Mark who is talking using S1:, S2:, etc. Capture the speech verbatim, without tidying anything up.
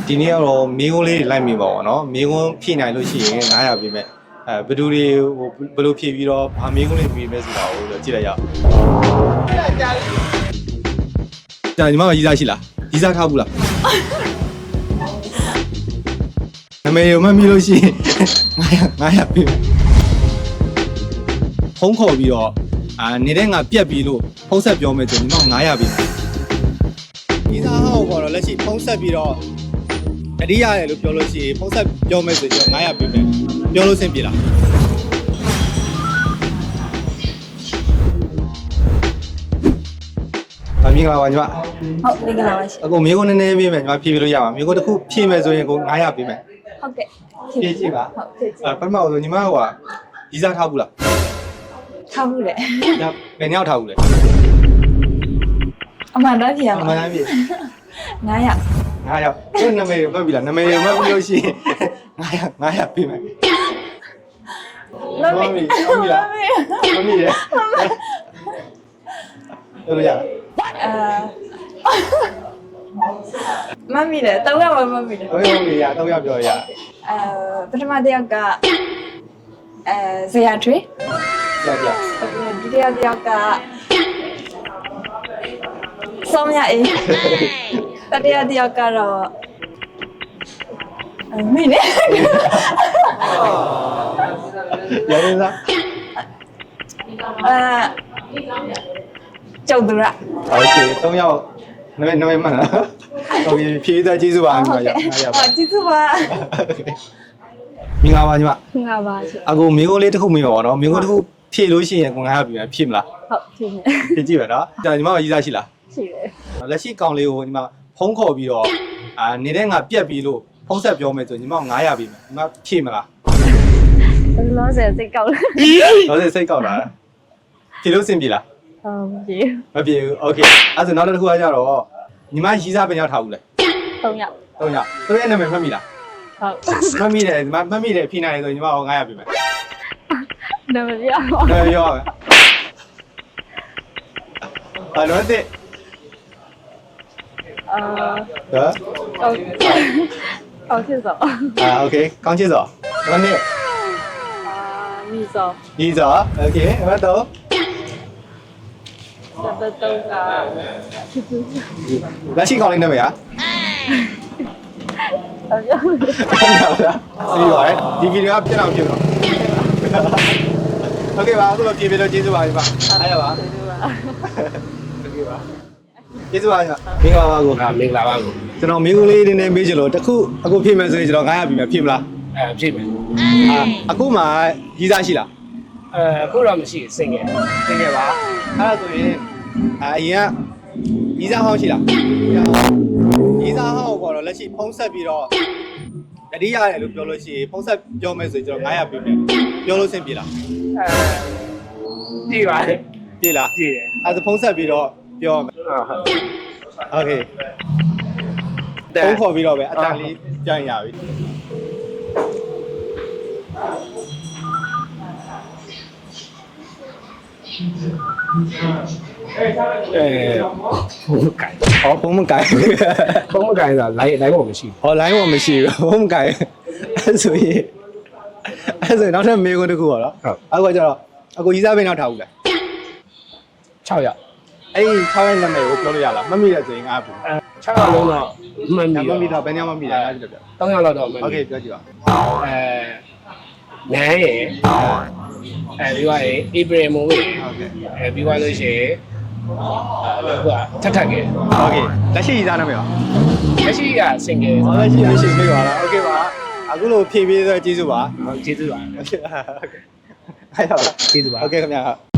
S1: ဒီနေ့ကတော့မင်းကုန်းလေးလိုက်မိပါဘောနော်မင်းကုန်းဖြည့်နိုင်လို့ရှိရင်nine hundredပေးမယ်အဲဘယ်သူတွေဟိုဘယ်လိုဖြည့်ပြီးတော့ဘာမင်းကုန်းလေးပေးမယ်ဆိုတာကိုကြည့်လိုက်ရအောင်ကြာညီမကရီးစားရှိလားရီးစားထားဘူးလားနာမည်ရောမမိလို့ရှိရင်nine hundredပေးမယ်ဖုန်းခေါ်ပြီးတော့အာနေတဲ့ငါပြက်ပြီးလို့ဖုန်းဆက်ပြောမယ်ဆိုညီမnine hundredပေးမယ်ရီးစားဟောက်ပေါ်တော့လက်ရှိဖုန်းဆက်ပြီးတော့အရိရတယ်လို့ပြောလို့ရှိရင်ဖုန်းဆက်ပြောမယ်ဆိုရင်nine hundredပေးမယ်ပြောလို့ဆင်ပြေလားအမင်္ဂလာပါညီမ
S2: ဟုတ်မင်္ဂလာပါရှင်
S1: အခုမျိုးကိုနည်းနည်းပေးမယ်ညီမဖြည့်ပြလို့ရပါမျိုးကိုတစ်ခုဖြည့်မယ်ဆိုရင်ကိုnine hundredပေးမယ်
S2: ဟုတ်ကဲ့
S1: ဖြည့်ကြည့်ပါ
S2: ဟုတ်ဖြည့်ကြည့်
S1: အဲပထမဆုံးညီမကဟိုရီးစားထားဘူးလား
S2: ထားဘူးလေ
S1: ဒါဘယ်နှစ်ယောက်ထားဘူးလဲ
S2: အမှန်တော့ဖြေရပါ
S1: အမှန်တိုင်းဖြေ
S2: nine hundred
S1: nine hundredသူနာမည်မှတ်ပြီလားနာမည်မှတ်ပြီးလို့ရှိရင်nine hundred nine hundredပေးမယ်
S2: မမီမမီလား
S1: မမီရတော်ရ
S2: အာမမီလေတောင်းရမှာမမီလေ
S1: တော်ရမီရတော့ရပြောရ
S2: အဲပထမတစ်ယောက်ကအဲဇေယျထွေး
S1: ကြကြ
S2: ဒုတိယတစ်ယောက်ကစောမြအေးတတိယတစ်ယောက်ကတော့မင်းနဲ့
S1: ရရင်စား
S2: အာကျော်သူရ
S1: โอเคသုံးယောက်နာမည်နာမည်မှန်လားโอเคဖြည့်သားကျေးဇူးပါညီမရရပါ
S2: ကျေးဇူးပါ
S1: မင်္ဂလာပါညီမ
S2: မင်္ဂလာပါရှင်
S1: အခုမင်းကုန်းလေးတစ်ခုမိပါပါနော်မင်းကုန်းတစ်ခုဖြည့်လို့ရှိရင်ကိုnine hundredပြီဖြည့်မလား
S2: ဟုတ်ဖြည့်မယ်
S1: ဖြည့်ကြည့်ပါနော်ကြာညီမကရီးစားရှိလား
S2: ရှိတယ်
S1: လက်ရှိကောင်လေးကိုညီမဖုန်းခေါ်ပြီးတော့အာနေတဲ့ငါပြက်ပြီးလို့ဖုန်းဆက်ပြောမယ်ဆိုညီမnine hundredပြီမယ်ညီမဖြည့်မလား
S2: လောဆယ်စိတ်ကောက်လာ
S1: လောဆယ်စိတ်ကောက်လာဖြည့်လို့စင်ပြီလား
S2: ဟုတ်ပြီ
S1: မပြေဘူးโอเคအဲ့ဆိုနောက်တစ်ခုကကြတော့ညီမရီးစားပဲရောက်ထားဘူးလေ
S2: သုံးယောက်
S1: သုံးယောက်သူရဲ့နာမည်မှတ်မိလား
S2: ဟုတ်
S1: မှတ်မိတယ်ညီမမှတ်မိတယ်ဖြည့်နိုင်တယ်ဆိုညီမကnine hundredပြီမယ်
S2: နာမည်ပြော
S1: နာမည်ပြောမယ်အဲ့တော့တဲ့
S2: အာ
S1: ဟမ်
S2: ကောင်းချစ်စော
S1: အာโอเคကောင်းချစ်စောဘာနဲ့
S2: အာညီစော
S1: ညီစောโอเคဘာတော့
S2: စပတုံးက
S1: လက်ရှိကောင်းလေးနာမည်ဟာ
S2: ဟုတ်ရော
S1: ဟုတ်လားစီးပါတယ်ဒီဗီဒီယိုကပြတ်အောင်ပြတ်တော့โอเคပါအခုတော့ပြေပြေလို့ကျေးဇူးပါညီမအားရပါ
S2: ကျေးဇူးပါ
S1: โอเคပါကျေးဇူးပါညီမမင်္ဂလာပါကို
S3: မင်္ဂလာပါကို
S1: ကျွန်တော်မင်းကုန်းလေးနည်းနည်းမေးချင်လို့တခုအခုဖြည့်မယ်ဆိုရင်ကျွန်တော်nine hundredပြီမယ်ဖြည့်မလား
S3: အဲဖြည့်မယ်
S1: အာအခုမှရီးစားရှိလား
S3: အဲအခုတော့မရှိစင်ငယ်
S1: စင်ငယ်ပါအဲ့ဒါဆိုရင်အရင်ကရီးစားဟောင်းရှိလားရီးစားဟောင်းကိုတော့လက်ရှိဖုံးဆက်ပြီးတော့တတိရတယ်လို့ပြောလို့ရှိရင်ဖုံးဆက်ပြောမယ်ဆိုရင်ကျွန်တော်nine hundredပြီမယ်ပြောလို့ဆင်ပြေလား
S3: အဲပြေပါတယ်
S1: ပြေလား
S3: ပြေတယ်
S1: အဲ့ဒါဖုံးဆက်ပြီးတော့ပြောမယ်
S3: ဟုတ်ဟုတ်
S1: โอเคဖုန်းခေါ်ပြီးတော့ပဲအတန်လေးကြိုင်ရပြီအဲဘုံမကိုင်
S3: ဟောဘုံမကိုင်ဘုံမကိုင်ဆိုတာ line line ပေါ်မရှိ
S1: ဟော line ပေါ်မရှိဘူးဘုံမကိုင်အဲဆိုရင်အဲဆိုရင်နောက်ထပ်မေးခွန်းတစ်ခုပါတော့အခုကကျတော့အခုရီးစားပင်နောက်ထားဘူးလား
S3: ၆ယောက်
S1: အဲ့ဒီ၆ရက်နာမည်ကိုပြောလို့ရလားမမိတဲ့ဆိုရင်ငါဘူး
S3: အဲ၆ယောက်လုံးတော့မှန်ပြီ
S1: မမိတော့ဘယ်ညမှမမိတယ်ငါကြည့်တော့
S3: ပြော၃ယောက်လောက်တော့မှန်ပြီ
S1: โอเคပြောကြည့်ပါ
S3: အဲနန်းရယ်အဲဒီကရေဧပြီမိုးရေ
S1: ဟုတ်ကဲ့
S3: အဲပြီးသွားလို့ရှိရင်အဲဟိုကထက်ထက်ကေ
S1: โอเคလက်ရှိရီးစားနာမည်ပါ
S3: လက်ရှိကစင်ငယ်
S1: ဟောလက်ရှိလက်ရှိပြေးပါလားโอเคပါအခုလို့ဖြည့်ပေးဆိုကျေးဇူးပါ
S3: ဟုတ်ကျေးဇူးပါ
S1: ဟုတ်ကဲ့အဲ့တော့
S3: ကျေးဇူးပါ
S1: โอเคခင်ဗျာ